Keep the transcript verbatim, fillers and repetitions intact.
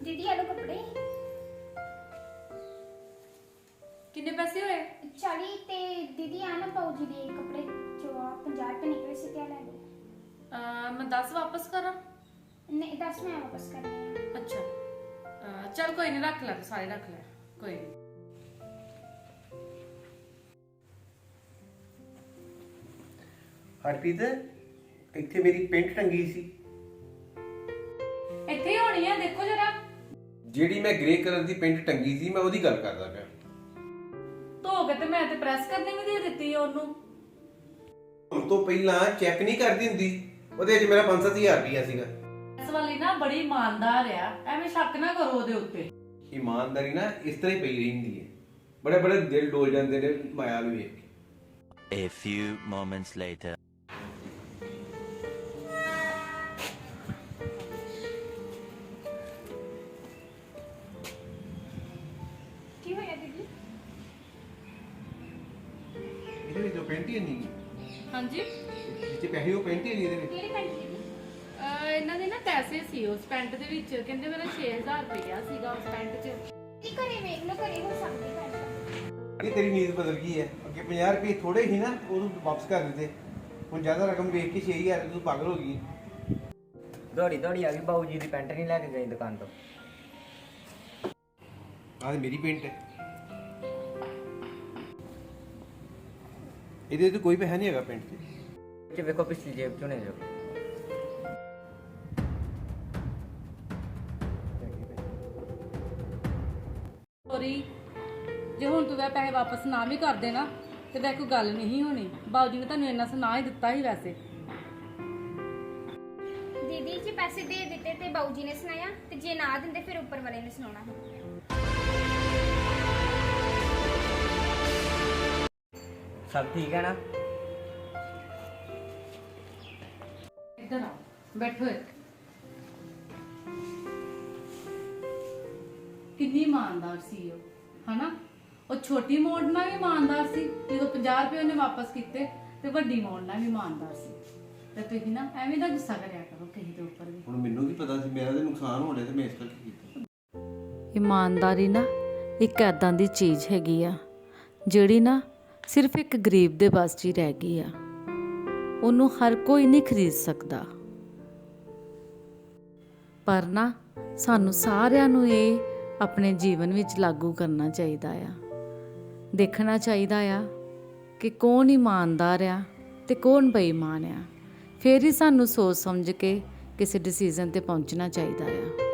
दीदी आलो कपड़े किन्ने पैसे होए? चाली ते दीदी आ ना पाओ जी दे कपड़े जो आ पंजाह रुपए निकले से क्या ले लो। अ, मैं दस वापस करा? नहीं दस मैं वापस करने हैं। अच्छा अ, चल कोई नहीं, रख ला सारे रख ला, कोई नहीं। हरप्रीत ਇੱਥੇ ਮੇਰੀ ਪੈਂਟ ਟੰਗੀ ਸੀ ਇੱਥੇ ਹੀ ਹੋਣੀ ਆ, ਦੇਖੋ ਜਰਾ। ਜਿਹੜੀ ਮੈਂ ਗ੍ਰੇ ਕਲਰ ਦੀ ਪੈਂਟ ਟੰਗੀ ਸੀ ਮੈਂ ਉਹਦੀ ਗੱਲ ਕਰਦਾ ਪਿਆ। ਧੋ ਕੇ ਤੇ ਮੈਂ ਤੇ ਪ੍ਰੈਸ ਕਰਨੇ ਵੀ ਦੇ ਦਿੱਤੀ ਉਹਨੂੰ। ਹੁਣ ਤੋਂ ਪਹਿਲਾਂ ਚੈੱਕ ਨਹੀਂ ਕਰਦੀ ਹੁੰਦੀ, ਉਹਦੇ ਵਿੱਚ ਮੇਰਾ ਪੰਜ ਸੱਤ ਹਜ਼ਾਰ ਰੁਪਇਆ ਸੀਗਾ। ਇਸ ਵਾਲੀ ਨਾ ਬੜੀ ਇਮਾਨਦਾਰ ਆ, ਐਵੇਂ ਸ਼ੱਕ ਨਾ ਕਰੋ ਉਹਦੇ ਉੱਤੇ। ਇਮਾਨਦਾਰੀ ਨਾ ਇਸ ਤਰ੍ਹਾਂ ਹੀ ਪਈ ਰਹਿੰਦੀ ਹੈ, ਬੜੇ ਬੜੇ ਦਿਲ ਡੋਲ ਜਾਂਦੇ ਨੇ ਮਾਇਆ ਨੂੰ ਵੇਖ ਕੇ। A few moments later. की होया दीदी? ਇਹਦੇ ਵਿੱਚ ਉਹ ਪੈਂਟ ਹੀ ਨਹੀਂ, ਹਾਂਜੀ ਜਿੱਥੇ ਪੈਸੇ ਉਹ ਪੈਂਟ ਹੀ ਨਹੀਂ ਇਹਦੇ ਵਿੱਚ। केड़ी पैंट दीदी? ਇਹਨਾਂ ਦੇ ਨਾ ਪੈਸੇ ਸੀ ਉਸ ਪੈਂਟ ਦੇ ਵਿੱਚ, ਕਹਿੰਦੇ ਮੇਰਾ ਛੇ ਹਜ਼ਾਰ ਰੁਪਇਆ ਸੀਗਾ ਉਸ ਪੈਂਟ 'ਚ। दीदी करे देख लो करे हो सकती पैंट। ਇਹ ਤੇਰੀ ਨੀਤ ਬਦਲ ਗਈ ਹੈ, ਅੱਗੇ ਪੰਜਾਹ ਰੁਪਏ ਥੋੜੇ ਸੀ ਨਾ, ਉਹਨੂੰ ਵਾਪਸ ਕਰ ਦਿੱਤੇ। ਹੁਣ ਜ਼ਿਆਦਾ ਰਕਮ ਵੇਖ ਕੇ ਛੇ ਹਜ਼ਾਰ ਤੂੰ ਪਾਗਲ ਹੋ ਗਈ। ਦੌੜੀ ਦੌੜੀ ਆ ਗਈ, ਬਾਊ ਜੀ ਦੀ ਪੈਂਟ ਨਹੀਂ ਲੈ ਕੇ ਗਈ ਦੁਕਾਨ ਤੋਂ। ਆਹ ਮੇਰੀ ਪੈਂਟ ਹੈ, ਇਹਦੇ ਤੇ ਕੋਈ ਪੈਸਾ ਨਹੀਂ ਹੈਗਾ ਪੈਂਟ 'ਚ। ਚ ਵੇਖੋ ਪਿਛਲੀ ਜੇਬ ਚੋਂ ਨੇ ਜੋ। ਸੋਰੀ, ਜੇ ਹੁਣ ਤੂੰ ਵੈ ਪੈਸੇ ਵਾਪਸ ਨਾ ਵੀ ਕਰ ਦੇਣਾ ਤੇ ਵੈ ਕੋਈ ਗੱਲ ਨਹੀਂ ਹੋਣੀ। ਬਾਊ ਜੀ ਨੇ ਤੁਹਾਨੂੰ ਇੰਨਾ ਸੁਣਾ ਹੀ ਦਿੱਤਾ ਸੀ ਵੈਸੇ। दीदी जी पैसे दे देते ते बाऊ जी ने सुनाया ते जे ना दिंदे फिर ऊपर वाले ने सुनाना। ਸਭ ਠੀਕ ਹੈ ਨਾ? ਇੱਧਰ ਆ, ਬੈਠੋ ਇੱਥੇ। ਕਿੰਨੀ ਇਮਾਨਦਾਰ ਸੀ ਉਹ, ਹਨਾ? ਉਹ ਛੋਟੀ ਮੋੜ ਨਾਲ ਵੀ ਇਮਾਨਦਾਰ ਸੀ, ਜਦੋਂ ਪੰਜਾਹ ਰੁਪਏ ਉਹਨੇ ਵਾਪਸ ਕੀਤੇ, ਤੇ ਵੱਡੀ ਮੋੜ ਨਾਲ ਵੀ ਇਮਾਨਦਾਰ ਸੀ। ਤੇ ਤੁਸੀਂ ਨਾ ਐਵੇਂ ਦਾ ਗੁੱਸਾ ਕਰਿਆ ਕਰੋ ਕਿਸੇ ਦੇ ਉੱਪਰ ਵੀ। ਹੁਣ ਮੈਨੂੰ ਵੀ ਪਤਾ ਸੀ ਮੇਰਾ ਤੇ ਨੁਕਸਾਨ ਹੋ ਰਿਹਾ ਤੇ ਮੈਂ ਇਸ ਕਰਕੇ ਕੀਤਾ। ਇਮਾਨਦਾਰੀ ਨਾ ਇੱਕ ਐਦਾਂ ਦੀ ਚੀਜ਼ ਹੈਗੀ ਆ ਜਿਹੜੀ ਨਾ ਸਿਰਫ ਇੱਕ ਗਰੀਬ ਦੇ ਬਸ 'ਚ ਹੀ ਰਹਿ ਗਈ ਆ, ਉਹਨੂੰ ਹਰ ਕੋਈ ਨਹੀਂ ਖਰੀਦ ਸਕਦਾ। ਪਰ ਨਾ ਸਾਨੂੰ ਸਾਰਿਆਂ ਨੂੰ ਇਹ ਆਪਣੇ ਜੀਵਨ ਵਿੱਚ ਲਾਗੂ ਕਰਨਾ ਚਾਹੀਦਾ ਆ। ਦੇਖਣਾ ਚਾਹੀਦਾ ਆ ਕਿ ਕੌਣ ਇਮਾਨਦਾਰ ਆ ਤੇ ਕੌਣ ਬੇਈਮਾਨ ਆ, ਫਿਰ ਹੀ ਸਾਨੂੰ ਸੋਚ ਸਮਝ ਕੇ ਕਿਸੇ ਡਿਸੀਜ਼ਨ ਤੇ ਪਹੁੰਚਣਾ ਚਾਹੀਦਾ ਆ।